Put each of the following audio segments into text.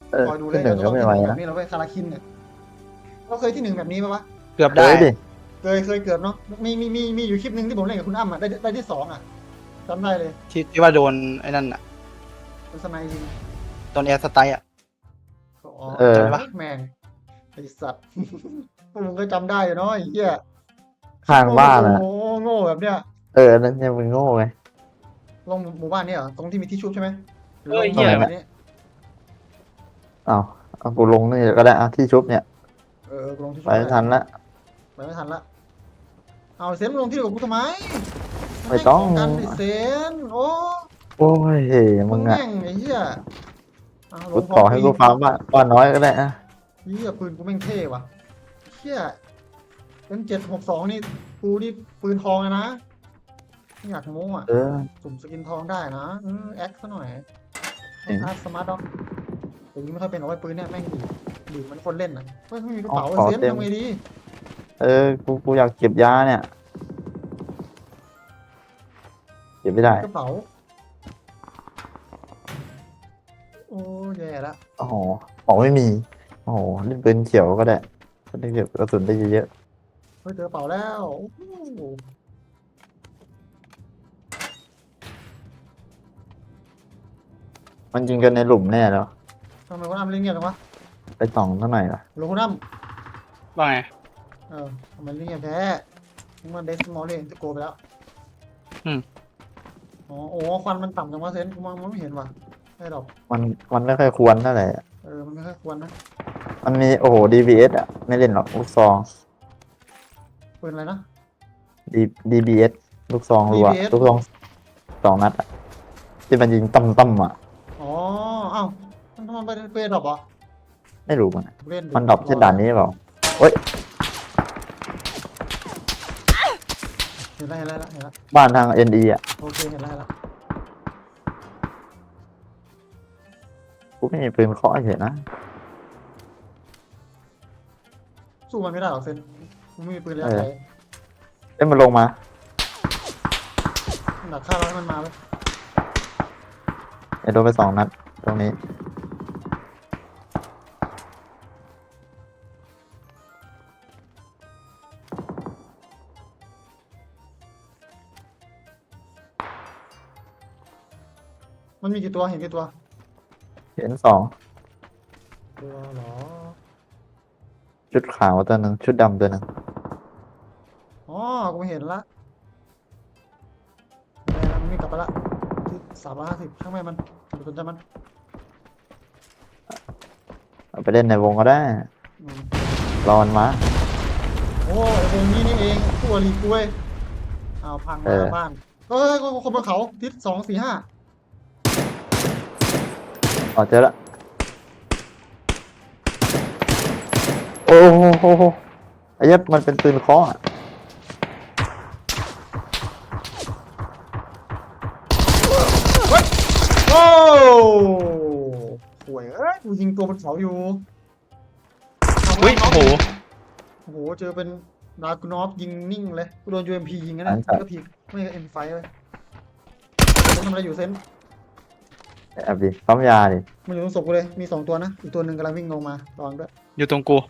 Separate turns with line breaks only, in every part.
คอยดูเล
ที่
ย
หนึ่ง
เราจะต้อง
ก็ไม่ไหว
ที่หนึ่งแบบ
นะ
นี้เราไปคาราคินเนี่ยเราเคยที่หนึ่งแบบนี้ปะวะ
เกือบ
เค
ได้
ยดิ
เคยเกือบเนาะมีอยู่คลิปหนึ่งที่ผมเล่นกับคุณอ้ำอ่ะได้ที่สองอ่ะจำได้เลย
ที่ว่าโดนไอ้นั่นอ่ะ
เป็นสไนยิง
โดนแอร์สไตล์อ่ะ
อ๋อ
เออ
จำได้ปะ
แม่งไอสัตว์พวกมึงก็จำได้อยู่เนาะไอ้เหี้ยคิด
ข้าง
โง่
บ้านอ่ะ
โง่แบบเนี้ย
นั่นยังมึงโง่ไง
ลงหมู่บ้านนี่เหรอตรงที่มีที่ชุบใช่ไหมหรือลง
ตรงไหน
แบ
เนี่ย
บนี้
อ้าวเอากูลงนี่ก็ได้อ่ะที่ชุบเนี่ย
ลงที่
ไป
ชุบก็ได้
ทันละ
ไปไม่ทันละเอาเซนมึงลงที่เดียวกับกูทำไมมัน
ไม่
แย่ง
ต้อง
ของกันไอเซนโอ้
โอ้ยเฮ้ย
มึ
มึงอ่ะ
งแย่งไอ้เหี้ยเอาล
กู
งพร้อ
ต่อให้
มปีน
กูฟาร์มบ้านน้อยก็ได้อ่ะ
เหี้ยปืนกูแม่งเท่ว่ะเหี้ยเป็น762นี่กูนี่ปืนทองเลยนะไม่อยากโม้อ่ะ
เออ
สุ่มสกินทองได้นะแอคซะหน่อย
จริง
อาร์ตสมาร์ทด็อกอย่างนี้ไม่ค่อยเป็นเอาไว้ปืนเนี่ยแม่งดีดเหมันคนเล่นนะไม่มีกระ
เอา
เป๋า
ขอ
เซน
เต็ม
ทำไงดี
กูอยากเก็บยาเนี่ยเก็บไม่ได้
กระเป๋าโอ้แย่ละ
โอ้โหของไม่มีโอ้โหเล่นปืนเขียวก็ได้จะได้เก็บกระสุนได้เยอะ
เฮ้ยเจอกระเป๋าแล้วโอ้โห
ๆมันยิงกันในหลุมแน่แล้ว
ทำไมคุณอ้ำเล่นเงียบจังวะ
ไปส่องเท่าไหร่ล่ะ
หลวงคุณอ้
ว่าไง
ำทำไมเล่นเงียบแท้มึงมันเดสมอลเล่นจะโกไปแล้วอ๋อโอ้ควันมันต่ำจังวะเซนกูมองไม่เห็นว่ะไม่ดอก
มันมันไม่ค่อยควรเท่าไหร่อะ
มันไม่ค่อยควรนะ
มันมีโอ้โห DBS อ่ะไม่เล่นหรอกลูกซอง
ปืนอะไรนะ
D DBS ลูกซองรัว
DBS
ลูกซอง2 นัดอ่ะที่มันยิงตั้มอ่ะ
อ๋อเอ้ามันทำไมไปดรอปอ่ะ
ไม่รู้มันอะ
เล่นดิ
มันดรอปเช่นด่านนี้เปล่าเฮ้ย
เห็นแล้วเห็นแล้วเห็นแล้ว
บ้านทาง NE อ่ะ
โอเคเห็นแล้วเห็นแล้ว
กูไม่มีปืนเคาะเฉยนะ
สู้มันไม่ได้หรอกเซนมันไม่มีปืนระยะไกล
มันลงมา
หนักฆ่าเราให้มันมาเลย
โดนไป2 นัดตรงนี้
มันมีกี่ตัวเห็นกี่ตัว
เห็น2
ตัวเหรอ
ชุดขาวตัวหนึ่งชุดดำตัวหนึ่ง
อ๋อกูเห็นละแม่มันมีกลับไปละที่350ช่างแม่มันอย่าไปสนใจมัน
เอาไปเล่นในวงก็ได้
อืม
รอมันมา
โอ้ไอ้วงนี้นี่เองตัวรีกล้วยเอาพังมาบ้านเอ้ยคนบนเขาทิศ245
อ๋อเจอละโอ้โหไอ้เหี้ยมันเป็นปืนเคาะอะ
โอ้ห่วยกูยิงตัวบนเขาอยู่
อุ้ยโอ้โห
โอ้โหเจอเป็นดาร์กนอฟยิงนิ่งเลยกูโดน UMP ยิงนะไม่ก็พีกไม่ก็ M5 เลยเซนทำอะไรอยู่เซน
แอบดิปั๊มยาดิ
มันอยู่ตรงศพกูเลยมี2ตัวนะอีกตัวหนึ่งกำลังวิ่งลงมาระวังด้วย
อยู่ตรงกู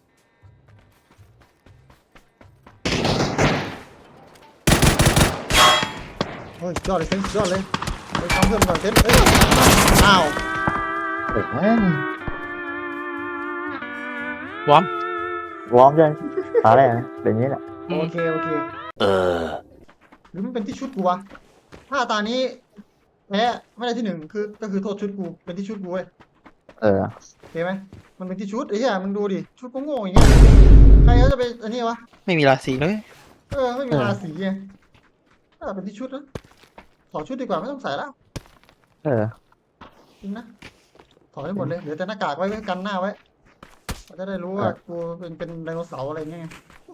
เฮ้ยยอดเลยเซนยอดเลยไปทำเพิ่มก่อนเซนเอ้ยอ้าว
เด็กแม่ง
วอร์ม
วอร์มยังตาแรกนะเป็นอย่างนี้แหละ
โอเคหรือมันเป็นที่ชุดกูวะถ้าตานี้แพ้ไม่ได้ที่หนึ่งก็คือโทษชุดกูเป็นที่ชุดกูเว้ย
เออ
โอเคไหมมันเป็นที่ชุดไอ้เหี้ยมึงดูดิชุดก็โง่อย่างเงี้ยใครเขาจะไปอันนี้วะ
ไม่มีราศีเลย
ไม่มีราศีไงถ้าเป็นที่ชุดนะถอดชุดดีกว่าไม่ต้องใส่แล้ว
เออ
จริงนะถอดให้หมดเลยเหลือแต่หน้ากากไว้กันหน้าไว้เราจะได้รู้ว่ากูเป็นไดโนเสาร์อะไรเงี้ย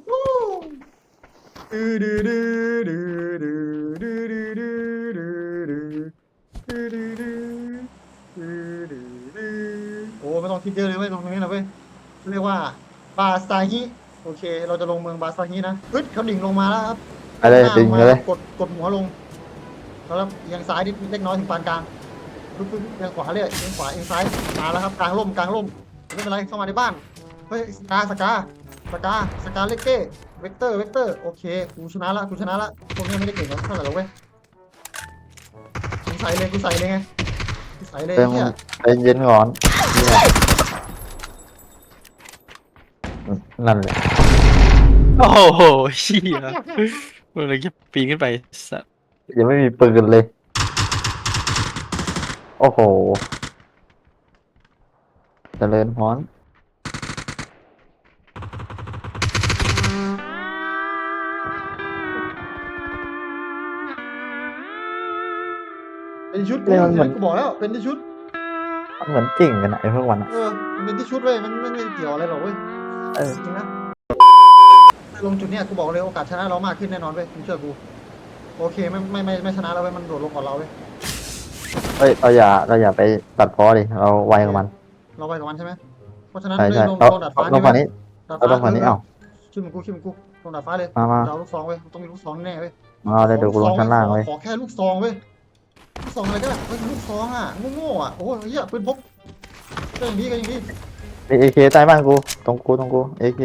ดื้อดื้อดื้อดื้อดื้อดื้อดื้อดื้อดื้อดื้อดื้อดื้อดื้อดื้อดื้อดื้อโอ้ไม่ต้องคิดเยอะเลยเว้ยตรงนี้นะเว้ยเรียกว่าบาซาฮิโอเค เราจะลงเมืองบาซาฮินะเขาดิ่งลงมาแล้วครับ
อะไร
หน้า
ดึง
มา
เลย
กดหัวลงแล้วเอียงซ้ายนิดเล็กน้อยถึงปานกลางปึ๊บเอียงขวาเลยเอียงขวาเอียงซ้ายมาแล้วครับกลางร่มไม่เป็นไรเข้ามาในบ้านเฮ้ยสกาเลกเก้เวกเตอร์โอเคกูชนะละพวกนี้ไม่ได้เก่งเท่าไหร่หรอกเว้ยกูใส่เลยไงกูใส่เลย
เติม
เนี่ย
ใจเย็นก่อนเนี่ยนั่นแหละ
โอ้โหเชี่ยมันเลยจะปีนขึ้นไปสัตว์
ยังไม่มีปืนเลย โอ้โหเจริญพร
เป็นชุดกูบอกแล้วเป็นที่ชุด
มันเหมือนจริงกันนะไอ้พวกวันอะ
มันเป็นที่ชุดเว้ยมันไม่เกี่ยวอะไรหรอกเว้ย
เออ
จริงนะลงจุดเนี้ยกูบอกเลยโอกาสชนะเรามากขึ้นแน่นอนเว้ยมึงเชื่อกูโอเคไม่ชนะแล้วเว้ยมันโดดลงก่อนเราเว้ย
เฮ้ยเราอย่าไปตัดพ้อดิเราไวกับมัน
เราไปกับมันใช่ไหมเพราะฉะนั้น
ใช่
เลย
ใช่
ลง
เรา
ดาดฟ้า
ลงฝั่งนี้
ดาด
เรา
ฟ้า
ลงฝั่งนี้เอ้า
ขึ้นมึงกูลงดาดฟ้าเลย
มา
เราลูกซองเว้ยต้องมีลูกซองแน่เว้ย
เอาเลยเดี๋ยวกูลงชั้นล่างเว้ย
ขอแค่ลูกซองเว้ยลูกซองอะไรก็ได้เฮ้ยลูกซองอ่ะโง่ๆอ่ะโอ้ยเหี้ยปืนพกก็อย่างนี้
เอเคใต้บ้านกูตรงกูเอเค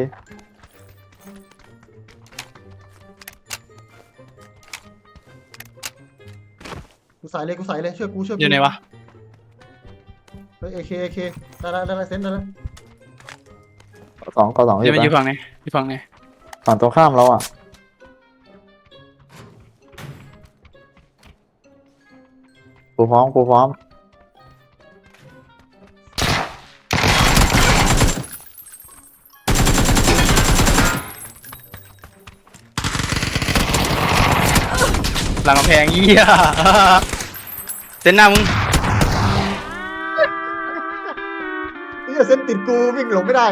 กูใส่เลยเชื่อกู
อยู่ไหนวะ
เฮ้ยเอเคได้เซนได้แล้ว
สองอ
เดี๋ยวมันอยู่
ปะ
ฝั่งไหนอยู่ฝั่งไหน
ฝั่งตรงข้ามเราอ่ะกูพร้อม
หลังกำแพงเหี้ยเส้นหน้ามึง
นี่เซนติดกูวิ่งหลงไม่ได้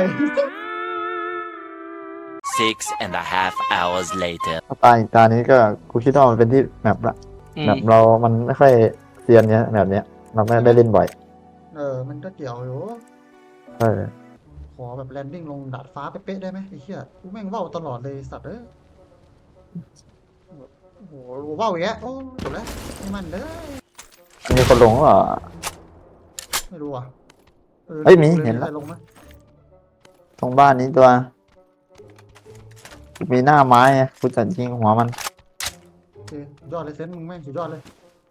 6.5 hours later.
ตาอีกตานี้ก็กูคิดว่ามันเป็นที่แมปละ
อืม
แมปเรามันไม่ค่อยเซียนเนี้ยแบบเนี้ยเราไม่ได้เล่นบ่อย
มันก็เกี่ยวอยู่
เออ
ขอแบบแลนดิ้งลงดาดฟ้าเป๊ะๆได้ไหมไอ้เหี้ยกูแม่งว่าวตลอดเลยสัตว์โอ้โหว่าวอย่างเงี้ยโอ้จบแล้วไม่มันเลย
มีคนลงเหรอ
ไม่รู้อ่ะ
เฮ้ยมีเห็นแล้ว
ใครลงไหม
ตรงบ้านนี้ตัว มีหน้าไม้ไงกูจะยิงหัวมัน
โอเคสุดยอดเลยเซนมึงแม่งสุดยอดเลย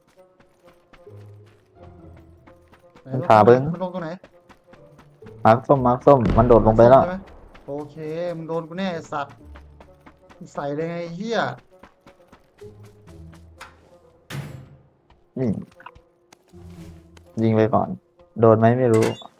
ไหน
มันขาเบิ้ง
มันลงตรงไหน
มาร์คส้มมันโดดลงไปแล้ว
ใช่หมโอเคมึงโดนกูแน่ไอ้สัตว์มึงใส่เลยไงไอ้เหี้ย
นี่ยิงไปก่อน โดนไหมไม่รู้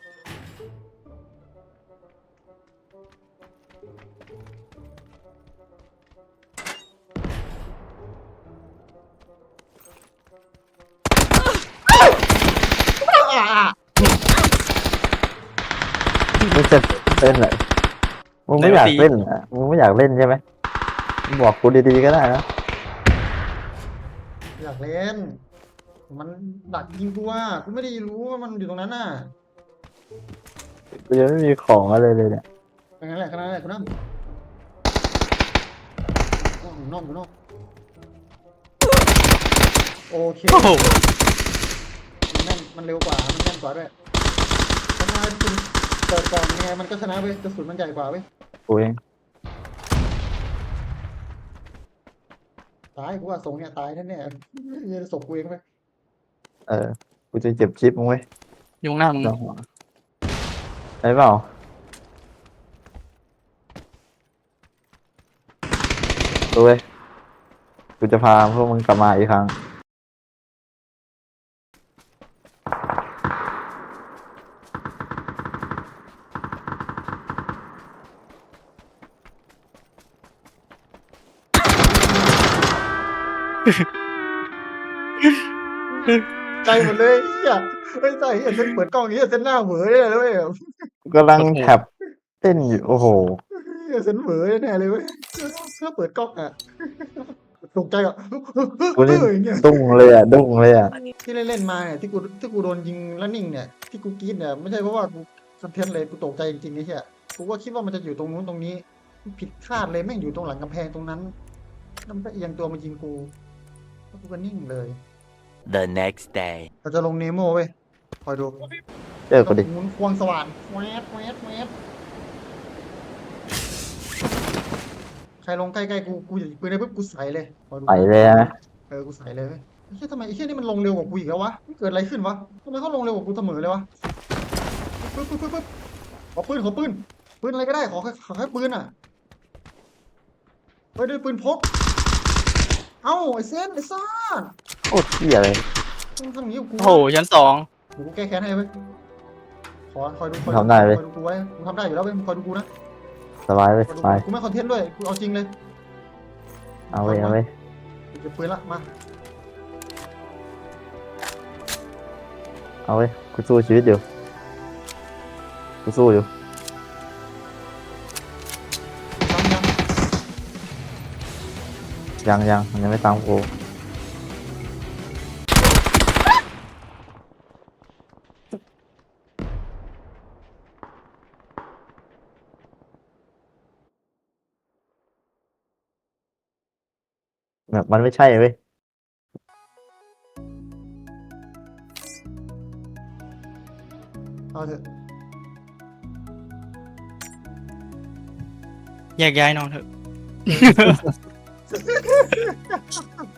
มึงจะเล่นอะไรมึงไม่อยากเล่นเหรอมึงไม่อยากเล่นใช่ไหมมึงบอกกูดีๆก็ได้นะ
อยากเล่น มันดักยิงกูอ่ะกูไม่ได้รู้ว่ามันอยู่ตรงนั้นน่ะ
กูยังไม่มีของอะไรเลยเนี่ย
เป็นไงแหละขนาดนั้นแหละกูนั่งอยู่นอกโอเค
โอ้โห
มันเร็วกว่ามันแม่นกว่าด้วยถ้าคุณเปิดก่อนยังไงมันก็ชนะเว้ยกระสุนมันใหญ่กว่าเว้ย
กูเอง
ตายกูว่าทรงเนี่ยตายแน่ๆเนี่ยศพกูเองไป
เออ กูจะเจ็บชิปมึงไว้ย
อยู่ข้างหน้ามึง
เจ้าหัวได้เปล่าดูเว้ยกูจะพาพวกมึงกลับมาอีกครั้ง
ใจหมดเลยเฮียไม่ใช่เฮียเส้นเปิดกล้องเฮียเส้นหน้าเหวอเลยเลยเว้ย
กำลังแท็บเต้นอยู่ โอ้โห
เฮียเส้นเหวอแน่เลยเว้ยเพื่อเปิดกล้องอ่ะตกใจอ่ะ
กูนี่
เงี้ย
ดุ้งเลยอ่ะ ดุ้งเลยอ่ะ
ที่เล่นมาเนี่ยที่กูโดนยิงแล้วนิ่งเนี่ยที่กูกรี๊ดเนี่ยไม่ใช่เพราะว่ากูสะเทือนเลยกูตกใจจริงๆไอ้เหี้ยกูก็คิดว่ามันจะอยู่ตรงนู้นตรงนี้ผิดคาดเลยแม่งอยู่ตรงหลังกำแพงตรงนั้นแล้วมันก็เอียงตัวมายิงกูแล้วกูก็นิ่งเลย
The next day.
เราจะลงเนโมเว้ยคอยดู
เจอกูดิ
หมุนควงสว่านแวดแวดแวดใครลงใกล้ๆกูอย่าปืนได้ปุ๊บกูใส่เลยคอยดู
ไปเลยนะ
กูใส่เลยเว้ยไอ้เหี้ยทำไมไอ้เหี้ยนี่มันลงเร็วกว่ากูอีกแล้ววะมันเกิดอะไรขึ้นวะทำไมเขาลงเร็วกว่ากูเสมอเลยวะปึ๊บขอปืนปืนอะไรก็ได้ขอแค่ปืนอ่ะเฮ้ยด้วยปืนพกเอ้าไอ้เซนไอ้ซ่า
โอ้เหี้ยเลย
มึงทำอย่างนี้กับกู
โอ้โหชั้นสอง
เดี๋ยวกูแก้แค้นให้เว้ยคอยดู
ทำได้เว้ย
คอยดูกูไว้กูทำได้อยู่แล้วเว้ยมึงคอยดูกูนะ
สบายเว้ย
คอย
ส
ดู
บาย
กูไม่คอนเทนต์ด้วยกูเอาจริงเลย
เอาเว้ยเอาเว้ย
กูเก็บปืนละมา
เอาเว้ยกูสู้ชีวิตอยู่กูสู้อยู่
ยัง
ยังมันยังไม่ตามกูแบบมันไม่ใช่เว้ย
เอาเถอะ
แยกย้ายนอนเถอะ